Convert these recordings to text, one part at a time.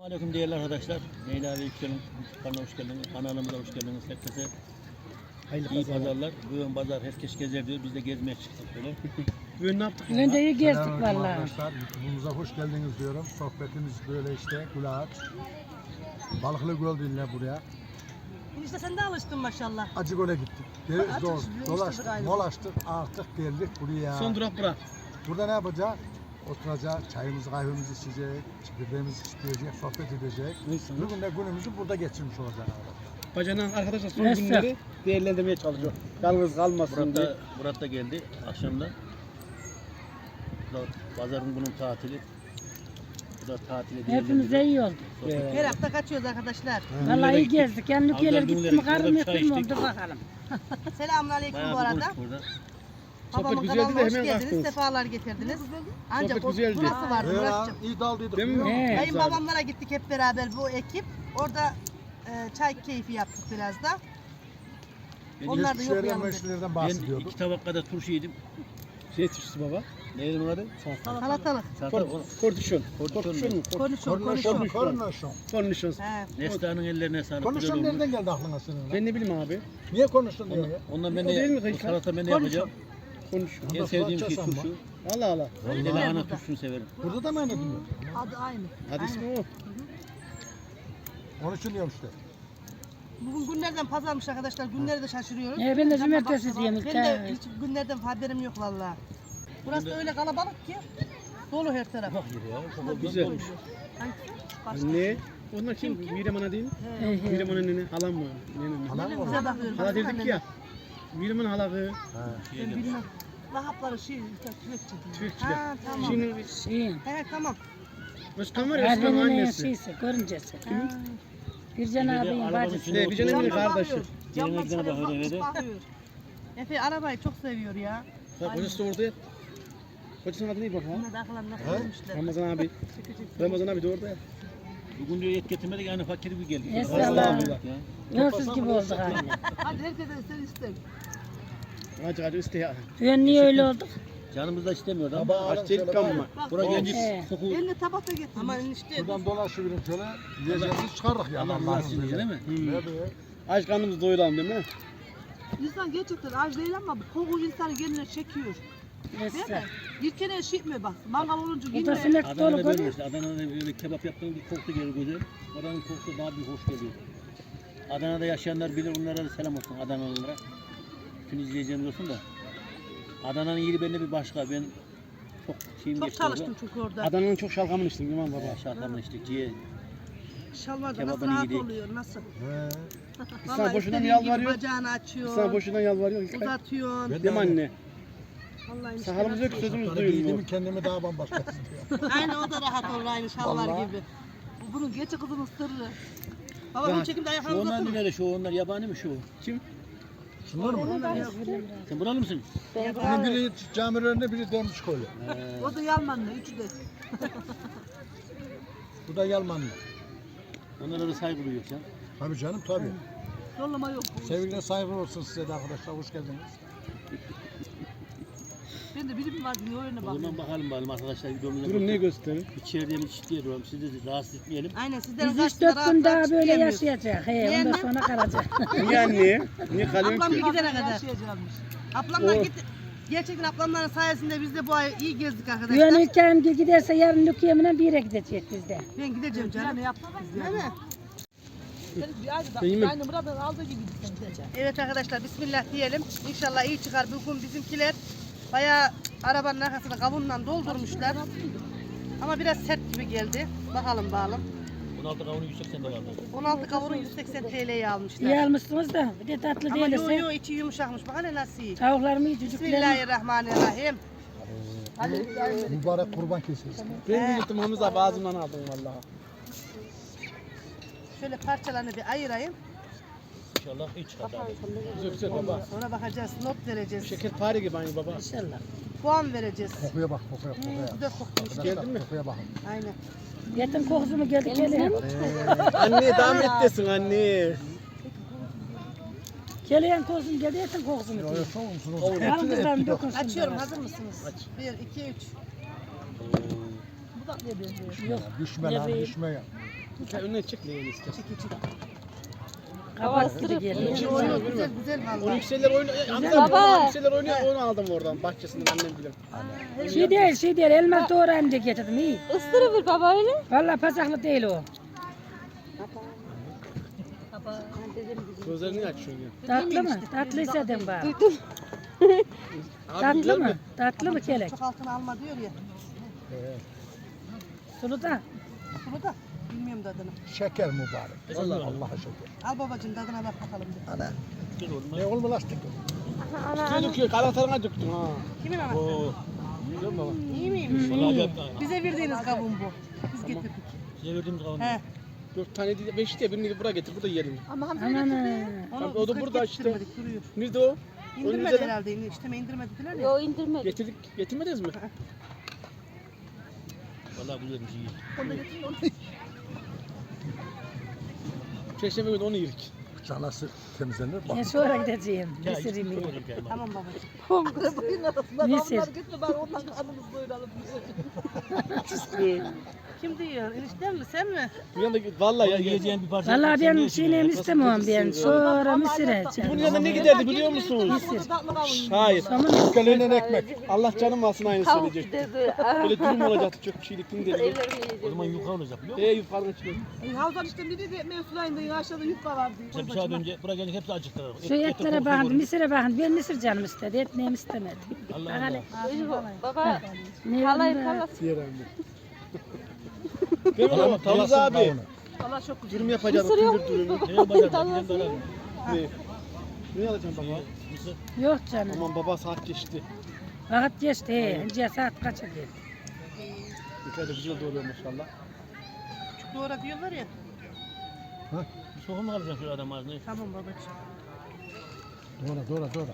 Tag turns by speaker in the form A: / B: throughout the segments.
A: Aleyküm değerli arkadaşlar. Leyla ve Yüksel'in kanalına hoş geldiniz. Kanalımıza hoş geldiniz. Herkese iyi pazarlar. Bugün pazar herkes gezer diyor. Biz de gezmeye çıktık böyle.
B: Bugün ne yaptık?
C: Bugün de iyi gezdik
D: Selamünaleyküm
C: vallahi.
D: arkadaşlar, YouTube'umuza hoş geldiniz diyorum. Sohbetimiz böyle işte, Kulaç. Balıklı Göl dinle buraya.
E: İşte sen de alıştın maşallah.
D: Acıgöl'e gittik. Dolaştık, molaştık, artık geldik buraya.
B: Son durak bura.
D: Burada ne yapacağız? Oturacağız, çayımızı, kahvemizi içecek, çekirdeğimizi isteyecek, sohbet edecek. Bugün de günümüzü burada geçirmiş olacağız.
B: Bacanan arkadaşlar son
C: Neyse.
B: günleri değerlendirmeye çalışıyor. Yalnız kalmasın diye.
A: Murat da geldi akşamda. Bu da pazarın bunun tatili. Bu da tatili
C: Hepimize iyi oldu.
E: Her hafta kaçıyoruz arkadaşlar.
C: Vallahi iyi gezdik. Yani ülkeler
A: Avcılar
C: gitti mi
A: günleri,
C: karım
A: orada bir
C: yok
A: çay
C: mu oldu
A: içtik.
C: bakalım.
E: Selamünaleyküm bu arada.
A: Burada.
E: Babamın
B: Sohbet güzeldi
E: kanalına
B: de
E: hoş
B: hemen
E: geldiniz.
B: kalktınız.
E: Sefalar getirdiniz. Ancak
B: Sohbet güzeldi.
E: burası vardı Muratcığım.
D: İyi daldıydık.
B: Değil mi?
C: He.
E: Kayınbabamlara gittik hep beraber bu ekip. Orada çay keyfi yaptık biraz da. Onlar da yok
D: Geçmişlerden,
E: yanımda.
D: meşlerden
A: Ben
D: bahsediyorduk.
A: 2 tabak kadar turşu yedim.
B: Şey tuştu baba.
A: Neydi bunun adı?
E: Salatalık.
B: Kortişon.
A: Kortişon
B: Kortişon mu?
E: Konuşun.
D: Konuşun.
B: Kornişon.
E: He.
A: Neslihan'ın ellerine sağlık.
D: Konuşun
A: Güzel
D: nereden
A: olmuş.
D: geldi aklına senin?
B: Ben ne bileyim abi.
D: Niye konuştun diyor ya?
A: Ondan ben
B: O değil mi
A: de
B: kanka?
A: salata ben de yapacağım.
B: Konuşuyor.
A: En sevdiğim şey
D: Salça
A: turşu.
B: Allah Allah.
A: Bir de lahana turşusunu severim.
D: Burada da mı öyle diyor?
E: Adı aynı.
B: Hadi ismi o.
D: Onun için diyorum işte.
E: Bugün günlerden pazarmış arkadaşlar. Günleri de şaşırıyoruz.
C: Ben de cumartesi diyeyim.
E: Ben de hiç günlerden haberim yok vallahi. Burası da öyle kalabalık ki. Dolu her taraf.
A: Bak ya.
B: Güzel.
E: Hangisi? Başka.
B: Ne? Onlar kim? Mirem Ana değil mi? Mirem Ana nene. Halam mı? Nene mi?
D: Halam mı?
E: Bize bakıyorum.
B: Hala dedik ya. Mirem Ana halakı.
E: Ben bilmem. Vahapları tüfekçi diyor.
B: Tüfekçiler.
E: Ha tamam.
B: Şimdi
C: Şeyin.
E: He tamam.
B: Özkan var ya Özkan'ın
C: Erdene'nin
B: annesi.
C: şeysi, görüncesi. Bircan
A: Bir de
C: abinin
A: arabanın
C: bacısı.
A: içinde
B: Bir canım
A: oturuyor.
B: bir kardeşi.
A: Yerine gidene bakıyor eve de.
E: Bakıyor. Efe arabayı çok seviyor ya.
B: Bak kocası da orada ya. Kocasının adı ne bak ha?
E: Bunlar da akıllarına nasıl vermişler.
B: Ramazan abi. Ramazan abi de orada ya.
A: Bugün diyor et getirmedik yani fakir bir geldik.
C: Estağfurullah.
A: Ya.
C: Yolsuz gibi olduk aynı.
E: Hadi herkese sen iste.
B: Acı acı iste ya.
C: Ben niye öyle olduk?
A: Canımız da istemiyordu ama.
D: Tabağı alın
B: Aç delik
D: şöyle
B: ama.
A: Buraya gelince
C: He.
A: koku.
E: Eline tabak da getir. Ama enişte.
D: Şuradan dolaşıverin şöyle. Yiyeceğimizi çıkarırız ya.
A: Allah razı olsun değil mi?
D: Ne be?
B: Aç karnımızı doyuralım değil mi?
E: İnsan gerçekten aç değil ama bu koku insanı kendine çekiyor. Değil mi?
C: Neyse.
E: Yirkene şişmiyor bak. Mangal olunca
C: Bu da
E: yine.
C: sinek dolu
A: Adana'da böyle
C: görüyor.
A: işte. Adana'da böyle kebap yaptığın bir koku geliyor güzel. Oranın kokusu daha bir hoş geliyor. Adana'da yaşayanlar bilir, onlara da selam olsun Adanalılara. Bütün izleyeceğimiz olsun da. Adana'nın yeri bende bir başka. Ben çok şeyim
E: Çok
A: geçti
E: çalıştım çünkü orada.
B: Adana'nın çok şalgamını içtim İmam baba.
A: Şartlarla işte ciğer.
E: Şalvarda nasıl
A: Kebabını
E: rahat
A: yedik.
E: oluyor nasıl?
D: He.
B: Sana
E: Vallahi
B: boşuna mı
E: istediğin gibi
B: yalvarıyor?
E: bacağını
B: Sana
E: açıyorsun.
B: boşuna yalvarıyor.
E: Uzatıyorsun.
D: Ben
B: Değil mi anne?
E: Vallahi işte
B: Sakalımız yok
E: nasıl-
B: sözümüz
D: Şartları giydiğimi
B: duyulmuyor.
D: kendimi daha bambaşka hissediyorum.
E: Aynı o da rahat olur aynı şalvar
D: Vallahi.
E: gibi. Bunun gerçek kızının sırrı. Baba bunu
B: Rahat.
E: çekimde
A: Şu
E: ayaklarını
A: onlar
E: uzatın.
A: neler şu onlar yabani mi şu?
B: Kim?
D: Şunlar mı?
A: Sen buralı mısın?
D: Bunun biri cami önünde, biri demiş koyuyor.
E: O da Yalmanlı, üçü de.
D: Bu da Yalmanlı.
A: Onlara da saygı duyuyor sen.
D: Tabii canım tabii.
E: Yollama yok.
D: Sevgiyle saygı olsun size de arkadaşlar. Hoş geldiniz.
E: Ben de birim var diye öyle
A: O
E: bak.
A: zaman bakalım arkadaşlar videomuza.
B: Durum ne gösterir?
A: İçeride mi çiftliğe duralım. Sizi de rahatsız etmeyelim.
E: Aynen sizlerin
C: Biz 3-4
E: karşısında
C: gün
E: rahat
C: daha
E: rahat
C: böyle
E: çıkayamıyoruz.
C: yaşayacak. He, ondan sonra kalacak.
B: Niye anne? Niye kalıyorsun
E: Ablam
B: ki?
E: bir gidene kadar. Ablamla git. Gerçekten ablamların sayesinde biz de bu ay iyi gezdik arkadaşlar.
C: Güvenirken giderse yarın Lükiyem'den bir yere gidecek bizde.
E: Ben gideceğim canım. Değil mi? Evet arkadaşlar bismillah diyelim. İnşallah iyi çıkar. Bugün bizimkiler bayağı arabanın arkasını kavunla doldurmuşlar. Ama biraz sert gibi geldi. Bakalım bakalım.
A: 16 kavunu 180 dolardı.
E: 16 kavunu 180 TL'ye almışlar.
C: İyi almışsınız da bir de tatlı
E: Ama yo
C: değilse.
E: yo içi yumuşakmış. Bak hele nasıl iyi.
C: Tavuklarımı iyi çocuklarım.
E: Bismillahirrahmanirrahim.
D: Mübarek kurban kesiyoruz.
B: Ben de gittim Hamza abi ağzımdan aldım vallahi.
E: Şöyle parçalarını bir ayırayım.
A: İnşallah iyi çıkar.
B: Güzel güzel baba.
E: Sonra bakacağız, not vereceğiz.
B: Şekerpare gibi aynı baba.
C: İnşallah.
E: Puan vereceğiz.
D: Kokuya bak, kokuya, kokuya.
E: Güzel kokmuş.
D: Arkadaşlar,
B: Geldin mi?
D: Kokuya bakın.
E: Aynen.
C: Yetim kokusu geldi gelin.
B: Anne damettesin anne.
C: Geleyen kokusu geldi yetim kokusu mu?
D: Yo, yo, çok musunuz?
C: Aldıklarını dokunsun.
E: Açıyorum,
C: bana.
E: hazır mısınız? 1, 2, 3.
C: Yok.
D: Düşme lan,
C: Yemeği.
D: düşme ya.
B: Sen önüne çek leğeni istersen.
C: Kapat gibi geliyor.
B: Kim oynuyor
E: Güzel
B: bilmiyorum.
E: güzel
B: O
E: valla.
B: yükseller oynuyor.
F: Baba.
B: O yükseller oynuyor. Onu aldım oradan bahçesinden annem bilir.
C: Şey değil, elma doğrayayım diye getirdim iyi.
F: Isırıver baba öyle.
C: Vallahi pasaklı değil o.
B: Gözlerini açıyorsun ya.
C: Tatlı mı? Tatlıysa den bana.
B: Abi
C: Tatlı
B: güzel
C: mı?
B: mi?
C: Tatlı mı kelek?
E: Çok altına alma diyor ya.
C: Sulu da.
E: Bunu da bilmiyorum tadını.
D: Şeker mübarek.
B: Vallahi.
D: Allah'a şeker.
E: Al babacığım tadına bak bakalım. Bir.
D: Ne olma lastik?
B: Üstüne döküyor. Kanatlarına döktüm ha.
E: Kimin anası?
A: Oo.
B: Biliyor musun baba?
E: İyi miymiş?
A: Vallahi ben
E: Bize verdiğiniz kavun bu. Biz getirdik.
A: size verdiğimiz kavanoz.
E: He.
B: 4 tane değil, 5 diye birini buraya getir. Burada yiyelim.
C: Aman.
E: Onu
B: o da
E: biz
B: burada işte.
E: getirmedik, duruyor.
B: Nerede o?
E: İndirmedi
B: Önümüzde de-
E: herhalde. İşte indirmediler ya.
F: Yo indirmedik.
B: Getirdik. Getirmediniz mi?
A: Vallahi güzelmiş iyi.
B: Perşembe günü onu yedik.
D: Canası temizlenir. Bak.
C: Ben sonra gideceğim.
A: Ya,
C: Mısır
A: hiç
C: yemeği.
A: sormadım ki ama.
E: Tamam babacığım.
C: Mısır.
E: Kim diyor? Enişten mi? Sen mi?
B: Bu yanında vallahi ya.
A: Yiyeceğin bir parça.
C: Vallahi
A: sen
C: ben
A: ne
C: şeyini
A: yiyeceksin?
C: istemiyorum ben. Sonra mısır
B: Bunun
C: edeceğim.
B: yanında ne giderdi biliyor musunuz?
C: Mısır.
B: Hayır.
C: Somun
D: Kalenen ekmek.
B: Allah canım alsın aynı
F: Tavuk
B: söyleyecek.
F: dedi.
B: Böyle dürüm olacaktı çok bir şeylik değil dedi.
F: Ellerimi
A: O
F: yiyeceğim.
A: zaman yukarı olacak biliyor musun?
B: Yukarıdan çıkıyor.
E: Havzan işte ne dedi? Mevsulayında aşağıda yufka vardı.
A: İşte bir saat önce buraya gelince hepsi acıktı.
C: şu etlere bakın, mısıra bakın. Ben mısır canım istedi. Et neyim istemedi.
A: Allah
C: Bak hele.
A: Allah.
F: Baba
C: Ne
F: halay
C: var?
F: halası.
B: Diğer anne. Değil mi baba? Tavuz abi.
E: Allah çok güzel.
B: Dürüm yapacağız.
F: Mısır yok
B: Tündür dürümü.
A: Ne yapacağız? Gidelim beraber.
B: Ne? Ne alacağım baba?
A: Mısır.
C: Yok canım.
B: Aman baba saat geçti.
C: Vakit geçti. He. Önce saat kaç oldu?
B: Yukarıda güzel doğruyor maşallah.
E: Küçük doğra diyorlar ya.
A: Bir soğuk mu kalacaksın şu adam ağzına?
E: Tamam babacığım.
D: Doğra.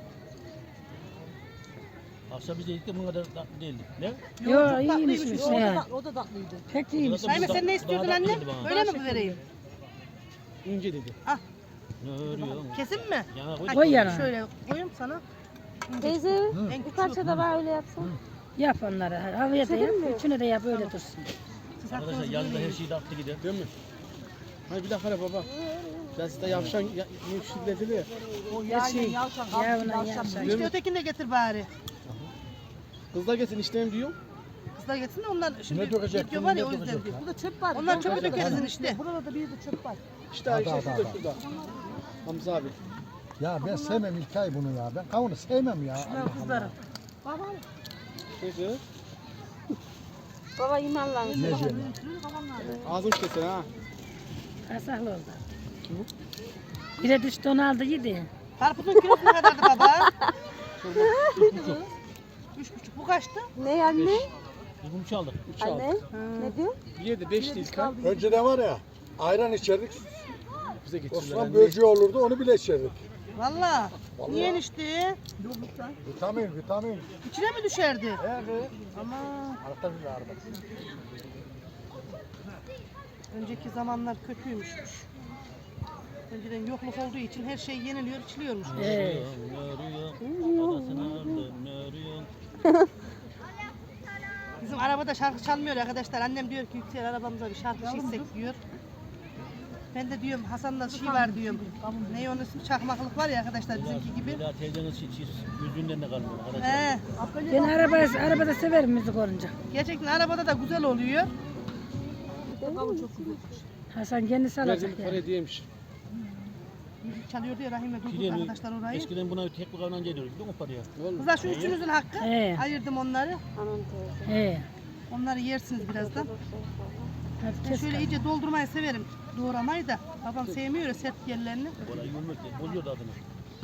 A: Akşam biz de yedik de bunun kadar tatlı değildi. Ne?
C: Yok iyiymiş.
E: O da tatlıydı.
C: Pek iyiymiş.
E: Naime sen ne istiyordun
A: Daha
E: anne?
A: tatlıydı bana.
E: Öyle mi vereyim?
B: İnce dedi.
A: Ne örüyor?
E: Kesin mi?
A: Yana koy.
C: Koy yana.
E: Şöyle koyayım sana.
F: Teyze
E: En
F: bir parça da var öyle yapsan.
C: Yap onları. Havaya da yap.
F: Senin mi?
C: Üçünü de yap öyle dursun.
A: Arkadaşlar yazda her şey tatlı gider.
B: Değil mi? Hani bir dakika baba. Ben size yavşan ne şiddetli ya.
C: Her şey. Yavuna yavşan.
E: İşte ötekini de getir bari.
B: Kızlar gelsin işlemem diyor.
E: Kızlar getirsin de onlar şimdi
D: Ne dökecek,
E: video var ya o
D: ne
E: yüzden
D: dökecek
E: diyor.
D: ya?
E: Burada çöp var. Onlar çöpü dökersin işte. Burada da bir de çöp var.
B: İşte
D: Hadi,
B: işte
D: hadi,
B: şurada
D: hadi.
B: şurada. Hamza abi.
D: Ya ben sevmem İlkay bunu ya. Ben kavunu sevmem ya.
E: Şunlar kızlarım.
B: Neyse.
F: Baba imanlansın.
D: Ne diyeyim
B: Ağzım keser ha.
C: Kasaklı oldu. Bire düştü onu aldı yedi.
E: Karpuzun kilosu ne kadardı baba? 3,5. Bu kaçtı?
F: Ne anne?
A: Biz bunu çaldık.
B: Üç aldı.
F: Anne? Ne diyor?
B: Yedi, beş değil kan.
D: Önceden var ya ayran içerdik.
B: Bize getirirler.
D: Osman böceği olurdu onu bile içerdik.
E: Valla. Niye enişte?
D: Vitamin.
E: İçine mi düşerdi?
D: Evet.
E: Ama
D: Arka bir araba.
E: önceki zamanlar kötüymüş. Önceden yokluk olduğu için her şey yeniliyor, içiliyormuş.
A: Ne örüyor? Parasını aldı. Ne örüyor?
E: Bizim arabada şarkı çalmıyor arkadaşlar. Annem diyor ki Yüksel arabamıza bir şarkı çizsek diyor. Ben de diyorum Hasan'da şey var diyorum. Ne onun ismi çakmaklık var ya arkadaşlar bizimki gibi.
A: Bir daha teyzenin yüzünden de kalmıyor arkadaşlar.
E: He.
C: Ben arabada severim müzik olunca.
E: Gerçekten arabada da güzel oluyor.
C: Hasan kendisi alacak
B: Verdiğim
C: ya.
B: para diyemiş.
E: Müzik çalıyor diyor Rahime durduk
A: Gidelim.
E: arkadaşlar orayı.
A: Eskiden buna tek bir kavanoz ediyoruz biliyor musun paraya?
E: Kızlar şu üçünüzün hakkı.
C: He.
E: Ayırdım onları.
F: Anam teyze.
C: He.
E: Onları yersiniz birazdan.
C: Hadi
E: Ben
C: kes.
E: şöyle iyice doldurmayı severim. Doğramayı da. Babam sevmiyor ya sert yerlerini.
A: Orayı yumruk bozuyor da adını.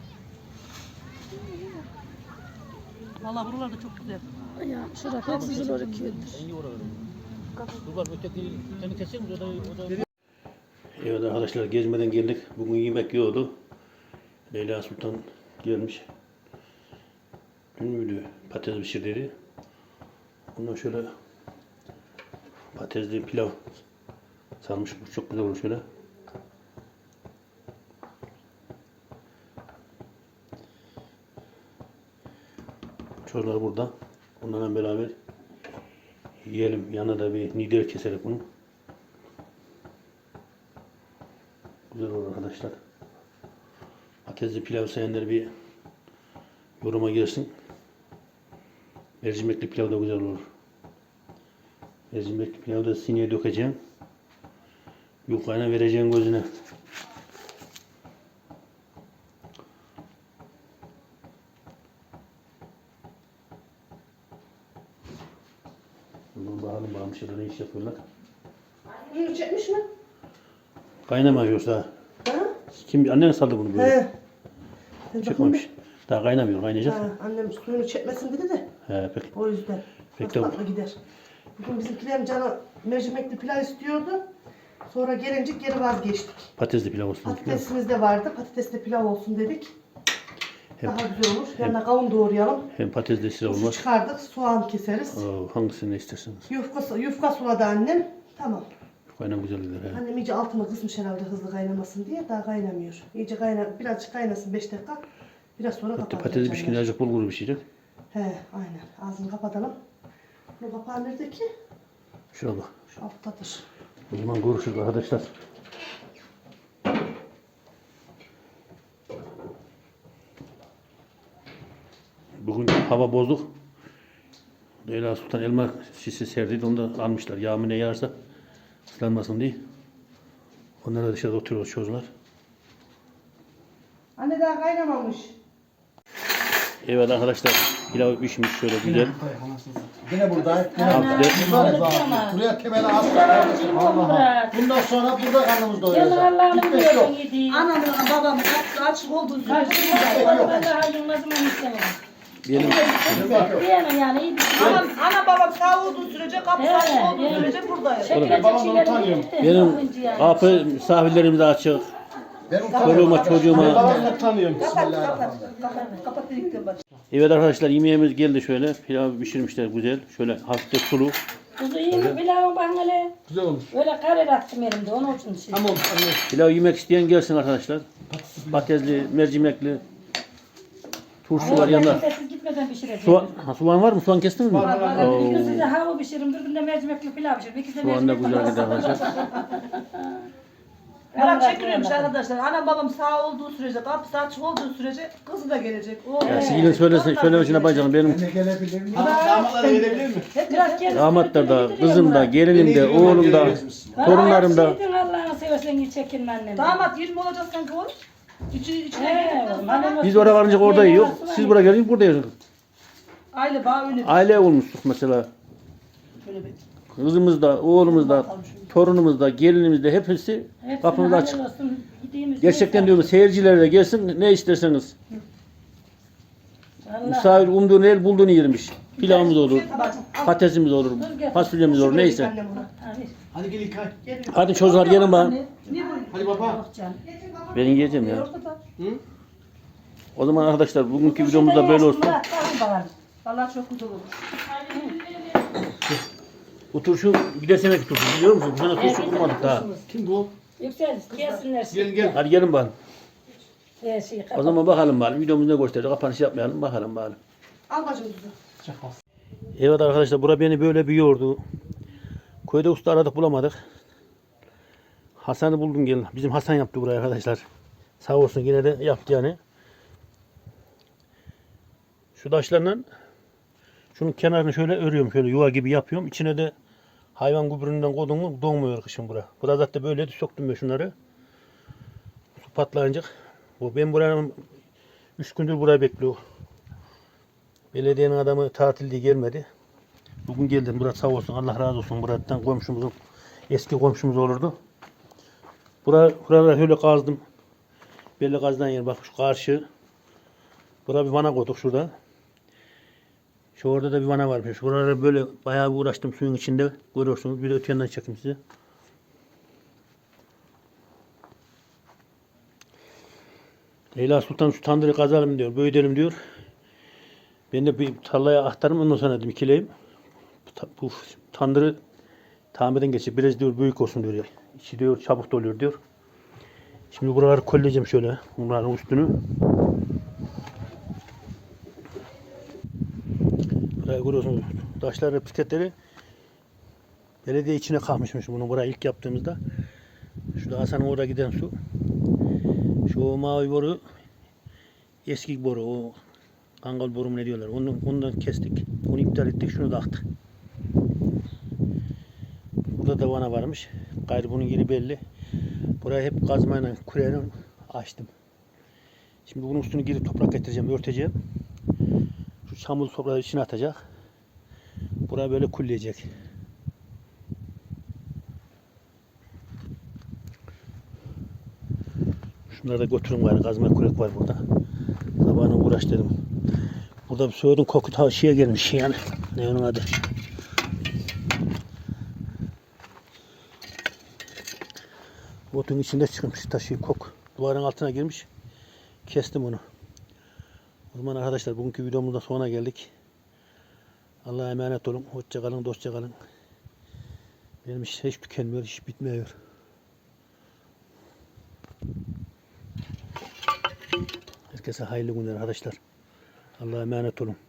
E: Vallahi buralar da çok güzel.
C: Ya şurada hep güzel olur ki.
A: En iyi oraları. Dur bak öteki seni kesecek miyiz? O da... Evet arkadaşlar gezmeden geldik. Bugün yemek yiyordu. Leyla Sultan gelmiş. Dün müydü? Patates pişirdi. Ondan şöyle patatesli pilav sarmış. Bu çok güzel olur şöyle. Çocuklar burada. Onlarla beraber yiyelim. Yanına da bir nider keserek bunu. Güzel olur arkadaşlar. Patatesli pilav sevenler bir yoruma girsin. Mercimekli pilav da güzel olur. Mercimekli pilavı da sineye dökeceğim. Yufkayla vereceğim gözüne. Bakalım şeyler ne iş yapıyorlar.
E: Bunu çekmiş mi?
A: Kaynamıyor yoksa.
E: Ha?
A: Kim annen saldı bunu böyle?
E: He. Ben
A: Çıkmamış. Daha kaynamıyor, kaynayacak.
E: Ha, annem suyunu çekmesin dedi de
A: He, pek.
E: o yüzden.
A: Pek
E: Çok
A: de-
E: tatlı gider. Bugün bizimkilerin canı mercimekli pilav istiyordu. Sonra gelince geri vazgeçtik.
A: Patatesli pilav olsun.
E: Patatesimiz de vardı. Patatesli pilav olsun dedik.
A: Hem,
E: Daha güzel olur. Yanına kavun doğrayalım.
A: hem patatesli pilav
E: Su
A: olmaz.
E: çıkardık. Soğan keseriz.
A: Hangisini isterseniz.
E: Yufka suladı annem. Tamam.
A: Kaynan güzel gider. He.
E: Annem iyice altını kısmış herhalde hızlı kaynamasın diye. Daha kaynamıyor. İyice birazcık kaynasın 5 dakika. Biraz sonra kapatacağım.
A: Patates pişkince azıcık bulgur pişecek.
E: He aynen. Ağzını kapatalım. Bu kapağı nerede ki?
A: Şuna bak.
E: Şu alttadır.
A: O zaman görüşürüz arkadaşlar. Bugün hava bozuk. Leyla Sultan elma şişesi serdiydi. Onu da almışlar. Yağmur ne yağarsa ıslanmasın diye. Onlar da dışarıda oturuyor çocuklar.
E: Anne daha kaynamamış.
A: Evet arkadaşlar. Pilav pişmiş şöyle güzel.
D: Yine burada. Yine
A: Abi de
D: buraya temeli asla kardeşim. Allah. Bundan sonra burada karnımız doyuracak.
C: Gel Allah'ını
D: Gitmek yok.
C: biliyorsun yediği.
E: Anamla babamın kapısı açık olduğu sürece
C: Karşımda daha yılmazım onu istemem.
A: benim
C: Diyemem yani iyi bir şey.
E: Ana babam sağ olduğu sürece kapısı açık olduğu sürece buradayız.
C: Çekilecek şeylerim gitti.
A: benim
C: Bakınca yani.
A: kapı misafirlerim de açık.
D: Benim
A: Çoluğuma çocuğuma.
B: Babamı tanıyorum.
E: Kapat dedikten bak.
A: Evet arkadaşlar yemeğimiz geldi şöyle. Pilav pişirmişler güzel. Şöyle hafif de sulu.
C: Kuzu iyi mi pilavın bana öyle?
B: Güzel olmuş.
C: Öyle karar attım elimde onun için şey.
B: Ama olmuş.
A: Pilav yemek isteyen gelsin arkadaşlar. Patatesli, mercimekli. Turşu var yanında.
C: Siz gitmeden pişireceğim.
A: Soğan var mı? Soğan kestin mi?
C: Bir gün size hava pişiririm, bir gün de mercimekli pilav pişiririm. İkisi de
A: Soğan da
C: mercimekli
A: güzel gider arkadaşlar.
E: Merak çekiliyormuş arkadaşlar. Anam babam sağ olduğu sürece, kapısı açık olduğu sürece kızı da gelecek.
A: Ya Sigil'in söylemesine bacağım. Benim
D: Ne gelebilir mi?
B: Damatlara gelebilir mi?
C: Biraz kendisi
A: damatlar da,
C: götürüyor
A: kızım da, gelinim de, oğlum da, torunlarım da.
C: Şeydin Allah'ını seversen git çekinme annem.
E: Damat 20 olacak sanki oğlum. İçine
C: He,
E: girdikten sonra
A: Biz oraya varınca orada yiyor. Siz buraya gelince burada yiyorsunuz.
E: aile bağı öyle.
A: Aile olmuştuk mesela.
E: Şöyle bir.
A: Kızımız da, oğlumuz da, torunumuz da, gelinimiz de hepsi kapımız açık. Gerçekten diyorum seyirciler de gelsin ne isterseniz. Misafir umduğunu el bulduğunu yermiş. Pilavımız olur, patatesimiz olur, fasulyemiz olur neyse.
E: Annem buna.
B: Hadi gel İlkay.
A: Hadi çocuklar gelin bana.
B: Hadi baba.
A: Ben yiyeceğim ya. O zaman arkadaşlar bugünkü videomuz da böyle olsun.
E: Vallahi çok güzel olur.
A: Bu turşu bir de senek turşu biliyor musun? Bu sene turşu kurmadık daha.
B: Kim bu?
C: Yüksel, gelsinler.
B: Gel gel.
A: Hadi gelin bana.
C: Şey,
A: O zaman bakalım bari. Videomuz ne gösterecek? Kapanış yapmayalım. Bakalım bari.
E: Al bacım tuzu.
A: Evet arkadaşlar bura beni böyle bir yordu. Köyde usta aradık bulamadık. Hasan'ı buldum gelin. Bizim Hasan yaptı burayı arkadaşlar. Sağ olsun yine de yaptı yani. Şu taşlarla şunun kenarını şöyle örüyorum. Şöyle yuva gibi yapıyorum. İçine de hayvan gübründen koydum mu donmuyor kışın bura. Burada zaten böyle söktüm ben şunları. Su patlayınca. Ben buranın 3 gündür burayı bekliyor. Belediyenin adamı tatil diye gelmedi. Bugün geldim. Murat sağ olsun. Allah razı olsun. Murat'tan komşumuzun eski komşumuz olurdu. Buraları şöyle kazdım. Belli kazdan yer. Bak şu karşı. Buraya bir vana koyduk şurada. Şu orada da bir vana varmış. Buralara böyle bayağı bir uğraştım suyun içinde. Görüyorsunuz. Bir de öte yandan çekeyim size. Leyla Sultan şu tandırı kazalım diyor. Büyütelim diyor. Ben de bir tarlaya aktarım. Ondan sonra dedim ikileyim. Bu tandırı tamirden geçip biraz diyor büyük olsun diyor. İçi diyor çabuk doluyor diyor. Şimdi buraları kolleyeceğim şöyle. Bunların üstünü. Buraya görüyorsunuz. Taşları, bisikletleri belediye içine kalmışmış bunu buraya ilk yaptığımızda. Şurada Hasan'ın oraya giden su. Şu mavi boru eski boru, o kangal boru mu ne diyorlar. Ondan kestik. Onu iptal ettik. Şunu da attık. Burada da vana varmış. Gayrı bunun yeri belli. Burayı hep kazmayla, küreyle açtım. Şimdi bunun üstünü girip toprak getireceğim, örteceğim. Şu çamur toprağı içine atacak. Burayı böyle kulleyecek. Şunları da götürün gayrı. Kazma kürek var burada. Sabahına uğraş dedim. Burada bir soğudun koku şeye gelmiş yani. Ne onun adı? Otun içinde çıkmış taşı kok. Duvarın altına girmiş. Kestim onu. O zaman arkadaşlar bugünkü videomuzda sonuna geldik. Allah'a emanet olun. Hoşça kalın, dostça kalın. Benim iş hiç tükenmiyor, hiç bitmiyor. Herkese hayırlı günler arkadaşlar. Allah'a emanet olun.